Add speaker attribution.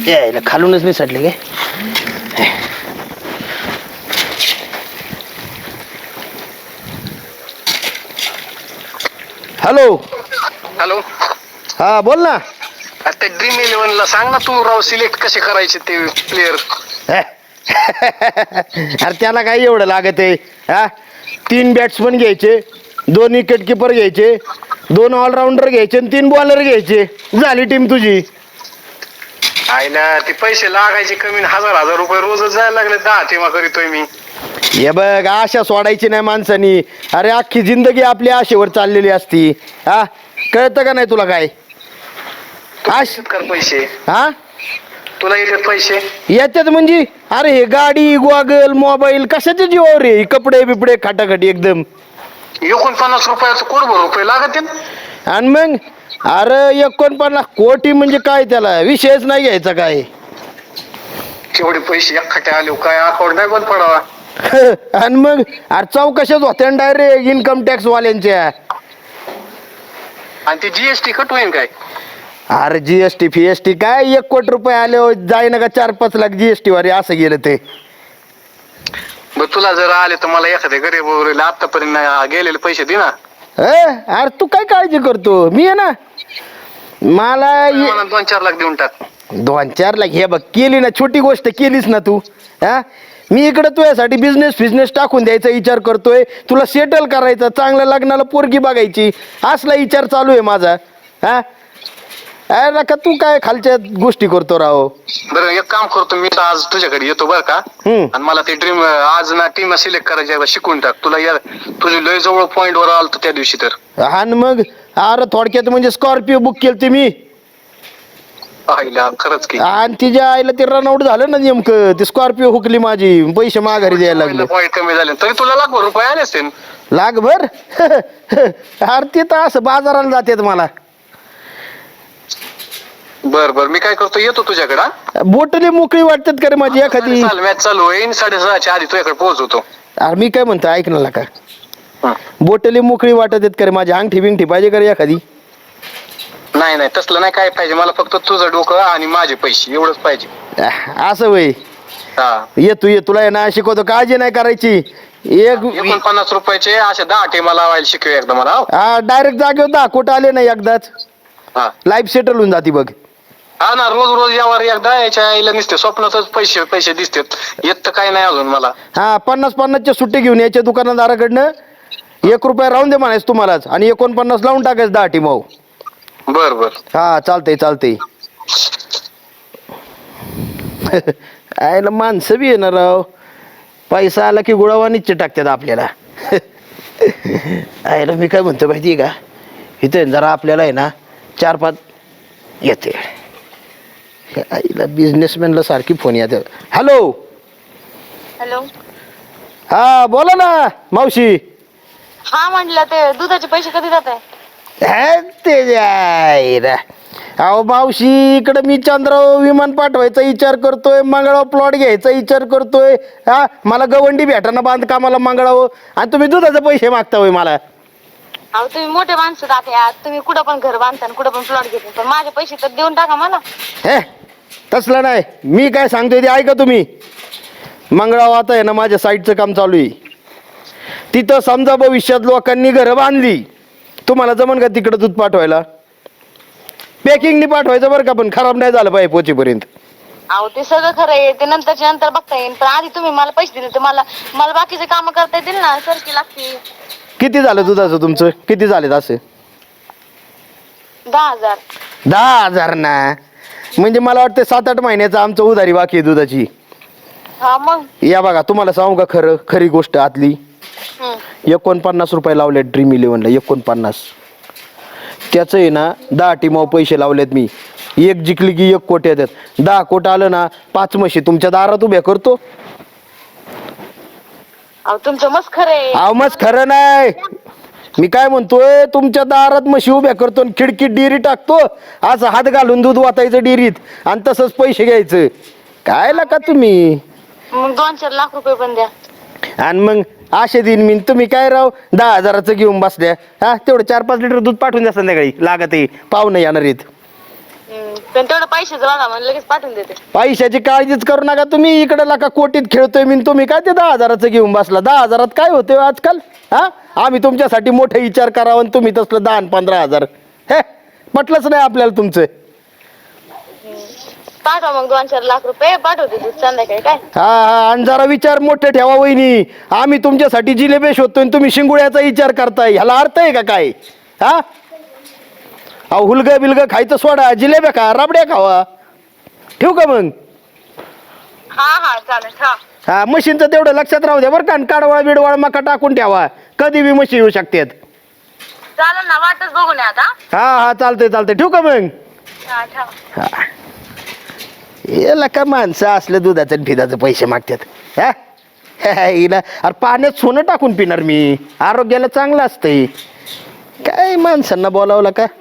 Speaker 1: यायला खालूनच नाही सडले गे. Hello
Speaker 2: hello.
Speaker 1: हा बोल ना.
Speaker 2: ते ड्रीम 11 ला सांग ना तू राव, सिलेक्ट कसे करायचे ते प्लेयर.
Speaker 1: अरे त्याला काय एवढं लागत आहे. हा 3 बॅट्समन घ्यायचे, 2 विकेट किपर घ्यायचे, 2 ऑलराऊंडर घ्यायचे आणि 3 बॉलर घ्यायचे, झाली टीम तुझी.
Speaker 2: आहे ना, ते पैसे लागायचे कमी, हजार रुपये रोजच जायला लागले. 10 टीमा करीतोय मी.
Speaker 1: हे बघ, आशा सोडायची नाही माणसानी. अरे अख्खी जिंदगी आपली आशेवर चाललेली असती. हा कळतं का नाही तुला काय?
Speaker 2: कर पैसे.
Speaker 1: हा
Speaker 2: तुला येतात पैसे?
Speaker 1: येतात म्हणजे अरे हे गाडी गॉगल मोबाईल कशाचे जीवावर रे, कपडे बिपडे खाटाखाटी एकदम.
Speaker 2: 49 रुपयाचं कोटभर रुपये लागतील.
Speaker 1: आणि मग अरे 49 कोटी म्हणजे काय, त्याला विषयच नाही घ्यायचा काय.
Speaker 2: केवढे पैसे एकखाटे आले, काय अकाउंट नाही बंद पडावा.
Speaker 1: आणि मग अरे चौकशाच होत्या डायरेक्ट इन्कम टॅक्स वाल्यांच्या.
Speaker 2: आणि ते जीएसटी कट होईल काय?
Speaker 1: अरे जीएसटी फीएसटी काय, 1 कोटी रुपये आले जाय ना का 4-5 लाख जीएसटी वारी असं गेलं ते.
Speaker 2: मग तुला जर आले तर मला एखाद्या गरीब आतापर्यंत गेलेले पैसे दे ना.
Speaker 1: अरे तू काय काळजी करतो, मी आहे ना. मला
Speaker 2: 2-4 लाख देऊन टाक.
Speaker 1: 2-4 लाख हे बघ, केली ना छोटी गोष्ट केलीस ना तू. हा मी इकडे तुझ्यासाठी बिझनेस टाकून द्यायचा विचार करतोय. तुला सेटल करायचं, चांगल्या लग्नाला पोरगी बघायची, असला विचार चालू आहे माझा. हा अरे का तू काय खालच्या गोष्टी करतो राव.
Speaker 2: बरं एक काम करतो, मी तर आज तुझ्याकडे येतो बरं का. आणि मला ते ड्रीम आज ना टीम सिलेक्ट करायची शिकून टाक. तुला यार तुझी लय जवळ पॉइंट वर आलतो त्या दिवशी तर.
Speaker 1: हा मग अरे थोडक्यात म्हणजे स्कॉर्पिओ बुक केली मी.
Speaker 2: आईला खरंच की.
Speaker 1: आणि तिच्या आईला ते रनआउट झालं ना नेमकं, ती स्कॉर्पिओ हुकली माझी, पैसे माघारी द्यायला लागले.
Speaker 2: पॉइंट कमी झाले तरी तुला लाखभर रुपये आले असतील.
Speaker 1: लाखभर? अरे ते तर असं बाजाराला जातात मला.
Speaker 2: बर बर मी काय करतो, येतो तुझ्याकडे.
Speaker 1: बोटली मोकळी वाटतात का रे माझी एखादी?
Speaker 2: मॅच चालू होईल 6:30च्या आधी तुझ्याकडे पोहोचवतो.
Speaker 1: अरे मी काय म्हणतो ऐक ना का, बोटली मोकळी वाटत आहेत का रे माझी? अंगठी बिंगठी पाहिजे का रे एखादी?
Speaker 2: नाही नाही तसलं नाही काय पाहिजे मला, फक्त तुझं डोकं आणि माझे पैसे एवढंच पाहिजे.
Speaker 1: असं वय. ये तुला आहे ना शिकवतो, काळजी नाही करायची.
Speaker 2: 49 रुपयाचे असे 10 टीमा लावायला शिकवे एकदा मला.
Speaker 1: हा डायरेक्ट जागेवर 10 कोटी आले नाही एकदाच, लाईफ सेटल होऊन जाते बघ.
Speaker 2: हा ना, रोज यावर एकदा याच्या आईला निसते स्वप्नातच पैसे दिसतात, येत तर काय नाही अजून मला.
Speaker 1: हा 50-50च्या सुट्टी घेऊन यायच्या दुकानदाराकडनं. 1 रुपया राहून दे म्हणायचं तुम्हालाच, आणि 49 लावून टाकायचं 10 टीम.
Speaker 2: बर बर
Speaker 1: हा चालतंय. आयला माणसं बी येणार राव, पैसा आला की गुळावा निश्चित टाकतात आपल्याला. आयला मी काय म्हणतो माहिती का, इथे जरा आपल्याला आहे ना 4-5 येते. आईला बिझनेसमॅनला सारखी फोन येते. Hello
Speaker 3: hello.
Speaker 1: हा बोला ना मावशी.
Speaker 3: हा म्हटलं ते दुधाचे पैसे कधी जात आहे?
Speaker 1: अहो मावशी, इकडे मी चंद्राव विमान पाठवायचा विचार करतोय, मंगळावर प्लॉट घ्यायचा विचार करतोय. हा मला गवंडी भेटाना बांधकामाला मंगळावर, आणि तुम्ही दुधाचे पैसे मागता होय मला.
Speaker 3: अहो तुम्ही मोठे माणसं जाते, तुम्ही कुठं पण घर बांधता कुठं पण प्लॉट घेता, पण माझे पैसे तर देऊन टाका मला.
Speaker 1: हे तसलं नाही, मी काय सांगतोय ते ऐका तुम्ही. मंगळावर आता आहे ना माझ्या साईडचं काम चालू आहे. तिथं समजा भविष्यात लोकांनी घरं बांधली, तुम्हाला जमन का तिकडं दूध पाठवायला? पॅकिंगनी पाठवायचं बरं का, पण खराब नाही झालं पाहिजे पोचेपर्यंत.
Speaker 3: अहो ते सगळं खरं आहे, ते नंतर बघता येईल, पण आधी तुम्ही मला पैसे दिले तर मला बाकीचे काम करता येतील ना. सरकी लागते.
Speaker 1: किती झालं दुधाचं तुमचं? किती झाले असे?
Speaker 3: 10,000.
Speaker 1: 10,000 ना, म्हणजे मला वाटतं 7-8 महिन्याचं आमचं उधारी बाकी आहे दुधाची.
Speaker 3: हा मग
Speaker 1: या बघा तुम्हाला सांगू का खरी गोष्ट आतली. 49 रुपये लावले ड्रीम 11ला. 49 त्याचं आहे ना 10 टीमावर पैसे लावलेत मी. 1 जिंकली की 1 कोटी येतात. 10 कोटी आलं ना 5 म्हशी तुमच्या दारात उभ्या करतो.
Speaker 3: अहो तुमचं मस्त खरं आहे.
Speaker 1: अहो मस्त खरं नाही, मी काय म्हणतोय, तुमच्या दारात म्हशी उभ्या करतो, खिडकीत डेअरी टाकतो, असं हात घालून दूध वाटायचं डेअरीत, आणि तसंच पैसे घ्यायचं. काय का तुम्ही?
Speaker 3: मग 2-4 लाख रुपये पण द्या.
Speaker 1: आणि मग असे दिन मी, तुम्ही काय राव 10,000चं घेऊन बसल्या. हा तेवढं 4-5 लिटर दूध पाठवून द्या संध्याकाळी, लागत आहे, पाहुणे येणार आहेत.
Speaker 3: पण तेवढं पैशाचं बघा मला लगेच पाठवून देते.
Speaker 1: पैशाची काळजीच करू नका तुम्ही. इकडे लाका कोटीत खेळतोय मी, तुम्ही काय ते 10,000चं घेऊन बसला. 10,000 काय होते आजकाल? हा, आम्ही तुमच्यासाठी मोठे विचार करावा आणि तुम्ही तसलं 10 आणि 15,000. हे पटलंच नाही आपल्याला तुमचं.
Speaker 3: पाठवा मग 2-4 लाख रुपये पाठवते तू संध्याकाळी काय.
Speaker 1: हा हा, आणि जरा विचार मोठे ठेवा वहिनी. आम्ही तुमच्यासाठी जिलेबी शोधतोय आणि तुम्ही शिंगुळ्याचा विचार करताय. ह्याला अर्थ आहे का काय? हा, अहो हुलगं बिलगं खायचं सोडा, जिलेब्या खा, रबड्या खावा. ठेवू का मग?
Speaker 3: हा चालेल.
Speaker 1: हा, मशीनचं तेवढं लक्षात राहू द्या बरं का. काडवाळ बिडवाळ मका टाकून ठेवा, कधी बी मशी येऊ शकतात.
Speaker 3: चालेल ना, वाटच बघून या आता.
Speaker 1: हा हा, चालतंय. ठेवू का मग?
Speaker 3: हा ठेवा.
Speaker 1: हा, याला का माणसं असलं दुधाचं आणि फिदाचं पैसे मागतात. हा, हिला अरे पाण्यात सोनं टाकून पिणार मी, आरोग्याला चांगलं असतंय. काय माणसांना बोलावलं का?